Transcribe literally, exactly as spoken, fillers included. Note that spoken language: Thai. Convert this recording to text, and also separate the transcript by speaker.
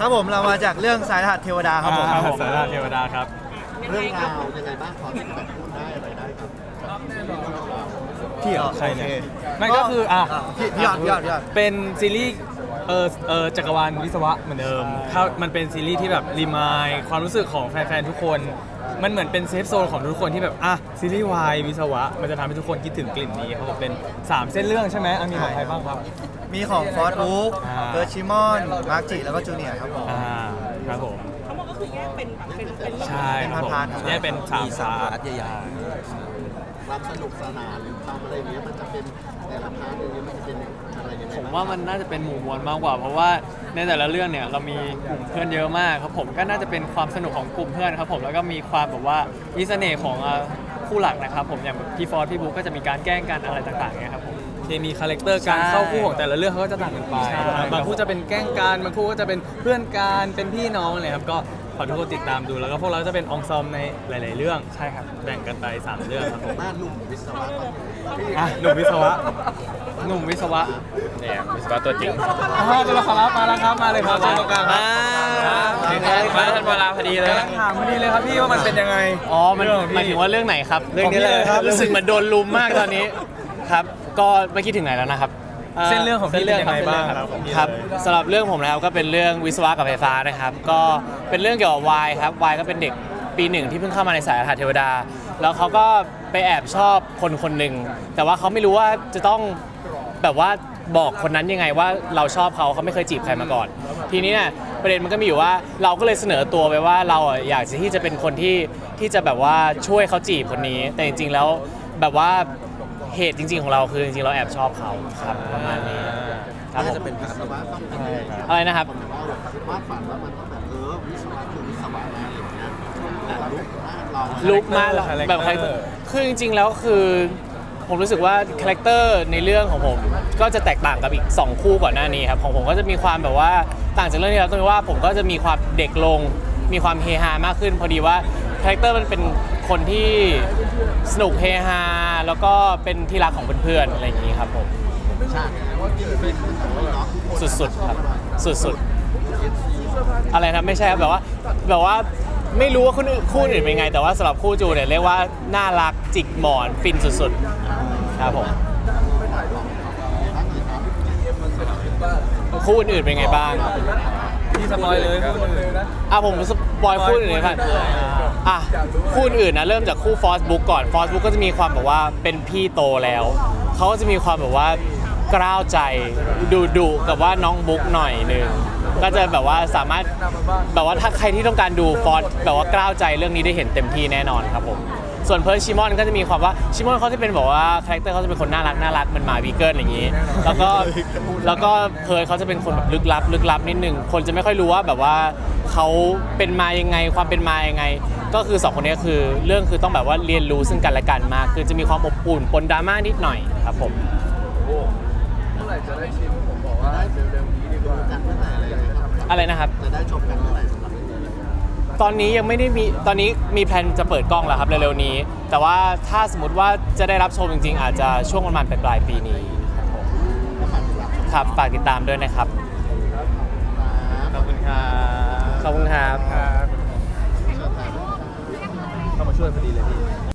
Speaker 1: ครับผมเรามาจากเรื่องสายรหัสเทวดาครับผม
Speaker 2: ครับผมสายล่าเทวดาครับ
Speaker 3: เรื่องราวยังไงบ้างพอที่แบบพูดได้อะไรได้ครับ
Speaker 2: พี่เหรอใครเนี่ย
Speaker 1: โอเค
Speaker 2: นั่นก็คืออ่ะ
Speaker 1: พี่พี่ยอดพี่ยอดพี่ยอด
Speaker 2: เป็นซีรีส์เออเออจักรวาลวิศวะเหมือนเดิมถ้ามันเป็นซีรีส์ที่แบบรีมายความรู้สึกของแฟนๆทุกคน มันเหมือนเป็นเซฟโซนของทุกคนที่แบบอ่ะซีรีส์วายวิศวะมันจะทำให้ทุกคนคิดถึงกลิ่นนี้ครับผมเป็นสามเส้นเรื่องใช่ไหมอ่ะมีของใครบ้างครับ
Speaker 1: มีของฟอร์ดบุ๊ก
Speaker 2: อ่า
Speaker 1: เอิร์ธชิมอนมาร์กจิแล้วก็จูเนียร์ครับผม
Speaker 2: อ่าครับผม
Speaker 4: ทั้งหมดก็คือแยกเป็นแบบเป็นเป็น
Speaker 2: ใช่ครับผม
Speaker 1: เป็นพาร์ทๆ
Speaker 2: เนี่ยเป็นสามพาร์ท
Speaker 3: ความสนุกสนานหรือความอะไรอย่างเงี้ยมันจะเป็นแต่ละพาร์ทอย่างเงี้ยมันจะเป็นอะไรยังไง
Speaker 5: ผมว่ามันน่าจะเป็นหมู่มวลมากกว่า เพราะว่าในแต่ละเรื่องเนี่ยเรามีกลุ่มเพื่อนเยอะมากครับผมก็น่าจะเป็นความสนุกของกลุ่มเพื่อนครับผมแล้วก็มีความแบบว่ามีเสน่ห์ของอ่าคู่หลักนะครับผมอย่างพี่ฟอร์ดพี่บุ๊กก็จะมีการแกล้งกันอะไรต่างๆเนี่ยครับผม
Speaker 2: เคมีคาแรคเตอร์การ
Speaker 5: ใช่
Speaker 2: เข้าคู่ของแต่ละเรื่องเขาก็จะต่างกันไป
Speaker 5: ใช่
Speaker 2: บางคู่จะเป็นแกล้งกันบางคู่ก็จะเป็นเพื่อนกันเป็นพี่น้องอะไรครับก็ขอทุกคนติดตามดูแล้วก็พวกเราจะเป็นองซอมในหลาย ๆ เรื่องใช่ครับแบ่งกันไปสามเรื่องครับผม
Speaker 3: บ้านหนุ่มวิศวะก็
Speaker 2: อ่ะหนุ่มวิศวะ
Speaker 5: หนุ่มวิศวะ
Speaker 6: เนี่ยวิศวะตัวจริง
Speaker 2: อ่าตัวละครลับมาแล้วครับมาเลยครับเชิญตรงกลางครับ
Speaker 6: มาทันเวลาพอดีเลย
Speaker 2: กำลังถามพอดีเลยครับพี่ว่ามันเป็นยังไง
Speaker 5: อ๋อมัน
Speaker 2: เรื่องของพี่
Speaker 5: หมายถึงว่าเรื่องไหนครับ
Speaker 2: เรื่องนี้เลยครับ
Speaker 5: รู้สึกเหมือนโดนลุมมากตอนนี้ครับก็ไม่คิดถึงไหนแล้วนะครับ
Speaker 2: เส้นเรื่องของพี่เป็นยังไงบ้าง
Speaker 5: ค
Speaker 2: ค
Speaker 5: รั
Speaker 2: รั
Speaker 5: บบ ครับสำหรับเรื่องผมนะครับก็เป็นเรื่องวิศวะกับไฟฟ้านะครับก็เป็นเรื่องเกี่ยวกับวายครับวายก็เป็นเด็กปีหนึ่งที่เพิ่งเข้ามาในสายรหัสเทวดา แล้วเขาก็ไปแอบชอบคนคนหนึ่งแต่ว่าเขาไม่รู้ว่าจะต้องแบบว่าบอกคนนั้นยังไงว่าเราชอบเขาเขาไม่เคยจีบใครมาก่อน ทีนี้เนี่ยประเด็นมันก็มีอยู่ว่าเราก็เลยเสนอตัวไปว่าเราอ่ะอยากจะที่จะเป็นคนที่ที่จะแบบว่าช่วยเขาจีบคนนี้ แต่จริงๆแล้วแบบว่าเหตุจริง ๆ ของเราคือจริงๆเราแอบชอบเขาครับประมาณนี้ครับผ
Speaker 3: น่าม จะเป็นวิศวะต้องเป็น
Speaker 5: อะไรนะครับ
Speaker 3: ว่าแบบวาดฝันว่ามันต้องแบบเออวิศวะคือวิศวะนะอะไรอย่างเงี้ยแต่ลุกหน้าเรา
Speaker 5: ลุกมากแบบคาแรคเตอร์คือจริงๆแล้วคือผมรู้สึกว่าคาแรคเตอร์ในเรื่องของผมก็จะแตกต่างกับอีกสองคู่ก่อนหน้านี้ครับของผมก็จะมีความแบบว่าต่างจากเรื่องที่แล้วตรงที่ว่าผมก็จะมีความเด็กลงมีความเฮฮามากขึ้น พอดีว่าคาแรคเตอร์มันเป็นคนที่สนุกเฮฮาแล้วก็เป็นที่รักของเพื่อนๆอะไรอย่างนี้ครับผม
Speaker 3: ฉากว่าที่เป็นเนาะ
Speaker 5: สุดๆครับสุดๆอะไรนะไม่ใช่ครับแบบว่าแบบว่าไม่รู้ว่าคู่อื่นคู่อื่นเป็นไง แต่ว่าสำหรับคู่จูเนี่ยเรียกว่าน่ารักจิกหมอนฟินสุดๆครับผมคู่อื่นๆเป็นไงบ้าง
Speaker 2: พี่สปอยเลยพูดเลยนะ
Speaker 5: อ่ะผมสปอยคู่อื่นเลยครับอ่ะคู่อื่นนะเริ่มจากคู่ฟอสบุ๊กก่อนฟอสบุ๊กก็จะมีความแบบว่าเป็นพี่โตแล้วเขาก็จะมีความแบบว่ากล้าวใจดุดุกับว่าน้องบุ๊กหน่อยนึงก็จะแบบว่าสามารถแบบว่าถ้าใครที่ต้องการดูฟอสแบบว่ากล้าวใจเรื่องนี้ได้เห็นเต็มที่แน่นอนครับผมส่วนเพิร์ชชิมอนก็จะมีความว่าชิมอนเขาจะเป็นแบบว่าคาแรคเตอร์เขาจะเป็นคนน่ารักน่ารักมันหมาวีเกิลอย่างนี้ แล้วก็แล้วก็เพิร์ชเขาจะเป็นคนแบบลึกลับลึกลับนิดนึงคนจะไม่ค่อยรู้ว่าแบบว่าเขาเป็นมายังไงความเป็นมายังไง ก็คือสองคนนี้คือเรื่องคือต้องแบบว่าเรียนรู้ซึ่งกันและกันมากคือจะมีความอบอุ่นปนดราม่านิดหน่อยครับผม
Speaker 3: เมื่อไหร่จะได้ชิมผมบอกว่าเร็วๆนี้ดีกว่ากันเมื่อไหร่อะไรอย่างเงี้ยครับ
Speaker 5: อะไรนะครับ
Speaker 3: จะได้ชมกันเมื่อไหร่สำหรับเรื่องนี้
Speaker 5: ตอนนี้ยังไม่ได้มีตอนนี้มีแพลนจะเปิดกล้องแล้วครับเร็วๆนี้ แต่ว่าถ้าสมมติว่าจะได้รับชมจริงๆ อาจจะช่วงประมาณปลายๆปีนี้ครับฝากติดตามด้วยนะครับ
Speaker 2: ขอบคุณครับ
Speaker 5: ขอบคุณครับ
Speaker 2: เข้ามาช่วยพอดีเลยพี่